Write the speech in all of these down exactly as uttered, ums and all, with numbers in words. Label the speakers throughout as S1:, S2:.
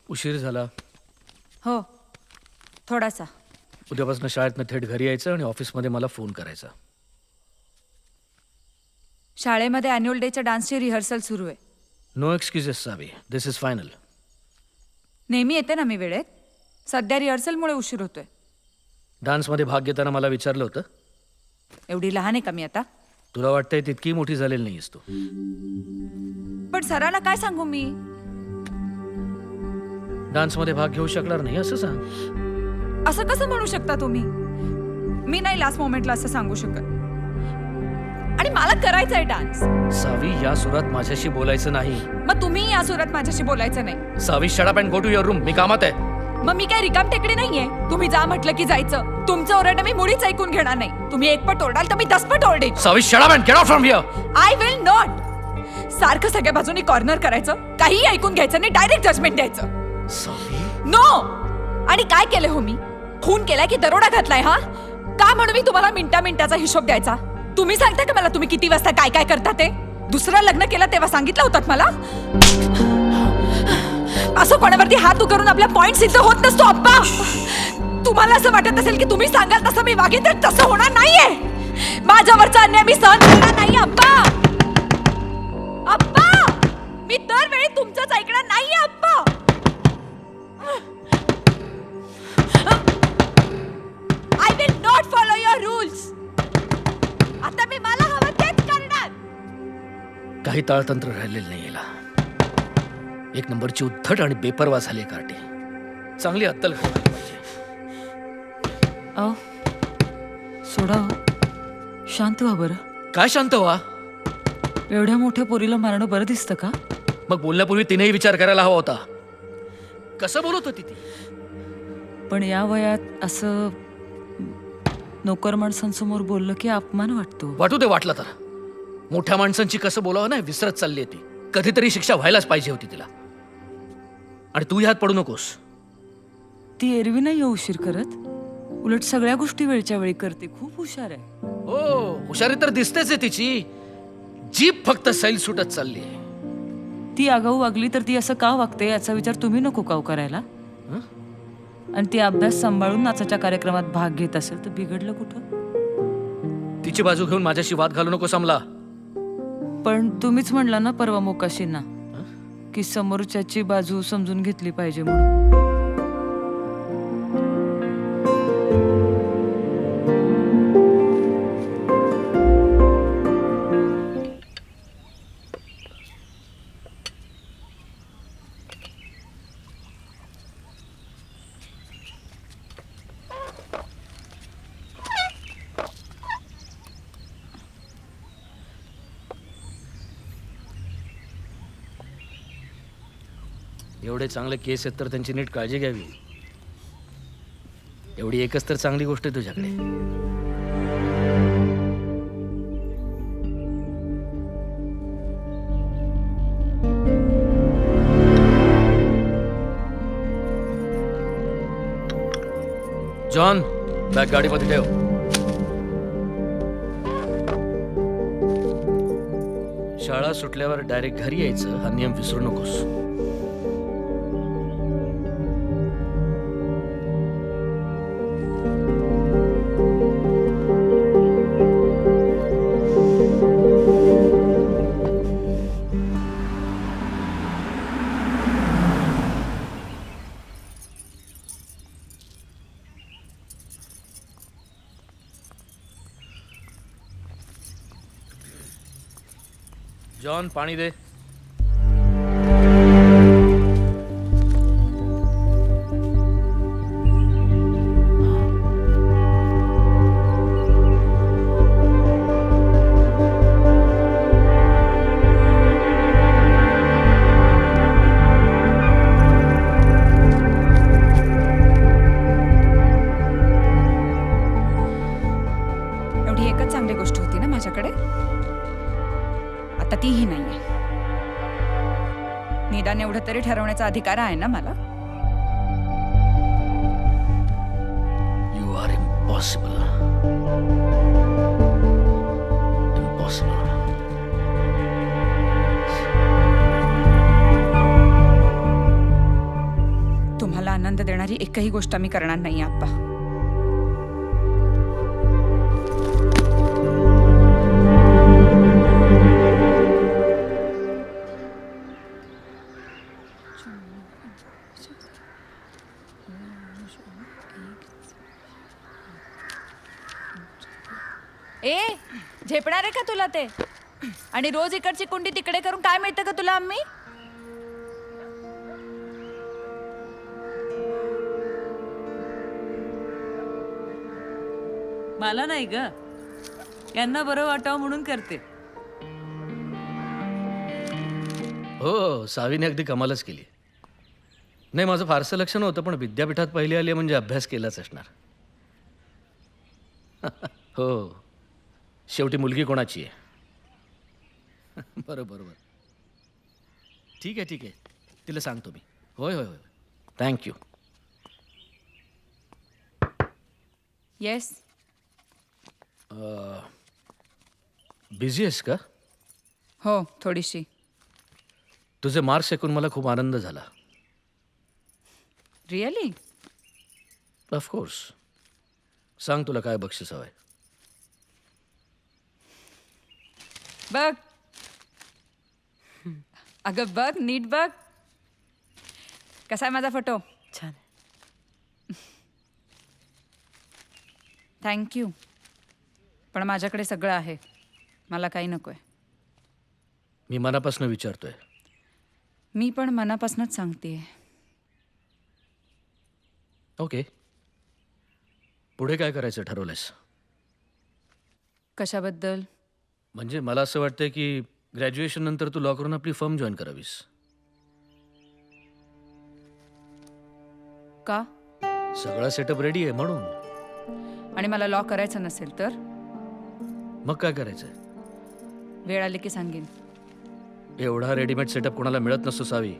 S1: उशीर झाला.
S2: हो थोडासा.
S1: उद्यापासून शाळेतनं थेट घरी यायचं आणि ऑफिसमध्ये मला फोन करायचा.
S2: शाळेमध्ये अॅन्युअल डेच्या डान्सची रिहर्सल सुरू आहे.
S1: No excuses Savi, this is final.
S2: नेहमी येते ना मी वेळेत. सध्या रिहर्सलमुळे उशीर होतोय.
S1: डान्समध्ये भाग घेताना मला विचारलं होतं.
S2: एवढी लहान आहे का मी आता?
S1: तुला वाटतंय तितकी मोठी झालेली नाहीस तू.
S2: पण सरांना काय सांगू मी?
S1: डान्समध्ये भाग घेऊ शकणार नाही असं सांग.
S2: असं कसं म्हणू शकता तुम्ही? मी नाही लास्ट मोमेंटला असं सांगू शकत. आणि मला करायचा आहे डान्स.
S1: सावी, या सुरात माझ्याशी बोलायचं नाही.
S2: मग तुम्ही या सुरात माझ्याशी बोलायचं नाही.
S1: Savi, shut up and go to your room. मी कामात आहे.
S2: मग मी काय रिकाम टेकडी नाहीये. तुम्ही जा म्हटलं की जायचं. तुमचं ओरडणं मी मुळीच ऐकून घेणार नाही. तुम्ही एक पट ओरडाल तर मी दस पट ओरडेन.
S1: Savi, shut up and get out from here.
S2: I will not. सारखं सगळ्या बाजूनी कॉर्नर करायचं, काही ऐकून घ्यायचं नाही, डायरेक्ट जजमेंट द्यायचं.
S1: सावी,
S2: नो. आणि काय केलं हो मी? खून केलाय की दरोडा घातलाय? हा का म्हणून मी तुम्हाला मिनिटा मिनिटाचा हिशोब द्यायचा? तुम्ही सांगता का मला तुम्ही किती वाजता काय काय करता ते? दुसरं लग्न केलं तेव्हा सांगितलं होतं मला? असं कोणावरती हात उकरून आपला पॉइंट सिद्ध होत नसतो अप्पा. तुम्हाला असं वाटत असेल की तुम्ही सांगाल तसं मी वागेन तर तसं होणार नाहीये. माझ्यावरचा अन्याय मी सहन करणार नाही अप्पा. अप्पा, मी दरवेळी तुमचंच ऐकणार नाहीये अप्पा. I will not follow your rules. आता मी मला हवं तेच करणार.
S1: काही ताळतंत्र राहिलेलं नाही याला. एक नंबरची उद्धट आणि बेपरवा झाली कार्टी. चांगली अत्तल करायला पाहिजे.
S2: अहो सोडा हो. शांत व्हा बरं.
S1: काय शांत व्हा?
S2: एवढ्या मोठ्या पोरीला मारणं बरं दिसतं का?
S1: मग बोलण्यापूर्वी तिनेही विचार करायला हवा होता. कसं बोलत होती ती?
S2: पण या वयात असं नोकर माणसांसमोर बोललं की अपमान वाटतो.
S1: वाटू दे वाटलं तर. मोठ्या माणसांची कसं बोलावं नाही विसरत चालली ती. कधीतरी शिक्षा व्हायलाच पाहिजे होती तिला. आणि तू ह्यात पडू नकोस.
S2: ती एरवी नाही उशीर करत. उलट सगळ्या गोष्टी वेळच्या वेळी करते. खूप हुशार आहे.
S1: हो, हुशारी तर दिसतेच आहे तिची. जीप फक्त सैल सुटत चालली आहे.
S2: ती आगाऊ वागली तर ती असं का वागते याचा विचार तुम्ही नको का करायला? आणि ती अभ्यास सांभाळून नाचाच्या कार्यक्रमात भाग घेत असेल तर बिघडलं कुठं?
S1: तिची बाजू घेऊन माझ्याशी वाद घालू नको समला.
S2: पण तुम्हीच म्हणला ना परवा मोकाशींना की समोरच्याची बाजू समजून घेतली पाहिजे म्हणून.
S1: एवढे चांगले केस आहेत तर त्यांची नीट काळजी घ्यावी. एवढी एकच तर चांगली गोष्ट आहे तुझ्याकडे. जॉन, बॅग गाडीमध्ये ठेव. शाळा सुटल्यावर डायरेक्ट घरी यायचं हा नियम विसरू नकोस. जॉन, पाणी दे.
S2: एवढी एकच चांगली गोष्ट होती ना माझ्याकडे. आता तीही नाहीये. निदान एवढं तरी ठरवण्याचा अधिकार आहे ना मला.
S1: You are impossible. इम्पॉसिबल.
S2: आनंद देणारी एकही गोष्ट मी करणार नाही आप्पा. ए झेपणार आहे का तुला ते? आणि रोज इकडची कुंडी तिकडे करून काय मिळतं का तुला आम्ही?
S3: मला नाही ग, यांना बरं वाटावं म्हणून करते.
S1: हो, सावीने अगदी कमालच केली. नाही, माझं फारसं लक्ष नव्हतं, पण विद्यापीठात पहिली आली म्हणजे अभ्यास केलाच असणार. हो, शेवटी मुलगी कोणाची आहे? बरं बरोबर. ठीक आहे ठीक आहे, तिला सांगतो मी. होय होय होय, थँक्यू.
S2: येस.
S1: बिझी आहेस का?
S2: हो, थोडीशी.
S1: तुझे मार्क्स ऐकून मला खूप आनंद झाला.
S2: रिअली?
S1: ऑफकोर्स. सांग, तुला काय बक्षीस हवंय?
S2: बघ अगं, बघ नीट बघ. कसा आहे माझा फोटो?
S3: छान.
S2: थँक्यू. पण माझ्याकडे सगळं आहे, मला काही नकोय.
S1: मी मनापासून विचारतोय.
S2: मी पण मनापासूनच सांगतेय.
S1: ओके, पुढे काय करायचं ठरवलंयस?
S2: कशाबद्दल?
S1: म्हणजे मला असं वाटतंय की ग्रॅज्युएशन नंतर तू लॉ करून आपली फर्म जॉईन करावीस.
S2: का?
S1: सगळा सेटअप रेडी आहे म्हणून.
S2: आणि मला लॉ करायचं नसेल तर?
S1: मग काय करायचंय?
S2: वेळ आली की सांगेन.
S1: एवढा रेडीमेड सेटअप कोणाला मिळत नसतो सावी.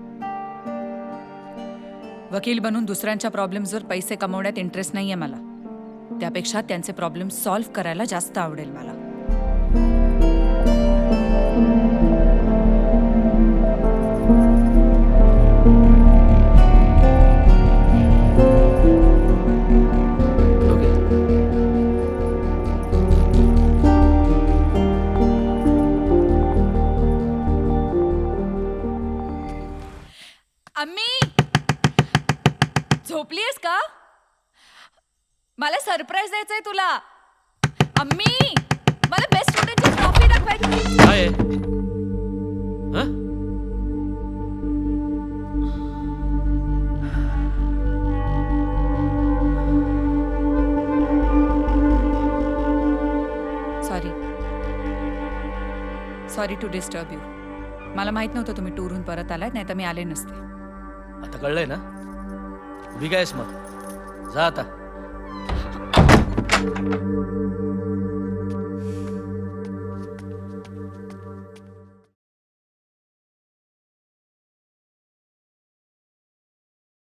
S2: वकील बनून दुसऱ्यांच्या प्रॉब्लेम्सवर पैसे कमवण्यात इंटरेस्ट नाहीये मला. त्यापेक्षा त्यांचे प्रॉब्लेम सॉल्व्ह करायला जास्त आवडेल मला.
S1: ओके.
S2: अम्मी, झोपलीयस का? मला सरप्राईज द्यायचंय तुला. अम्मी, मला बेस्ट स्टुडंटची ट्रॉफी दाखवायची.
S1: काय आहे? हं?
S2: Sorry sorry to disturb you. मला माहित नव्हतं तुम्ही टूरहून परत आलात, नाही तर मी आले नसते.
S1: आता कळलंय ना? उभी कायस मग? जा आता.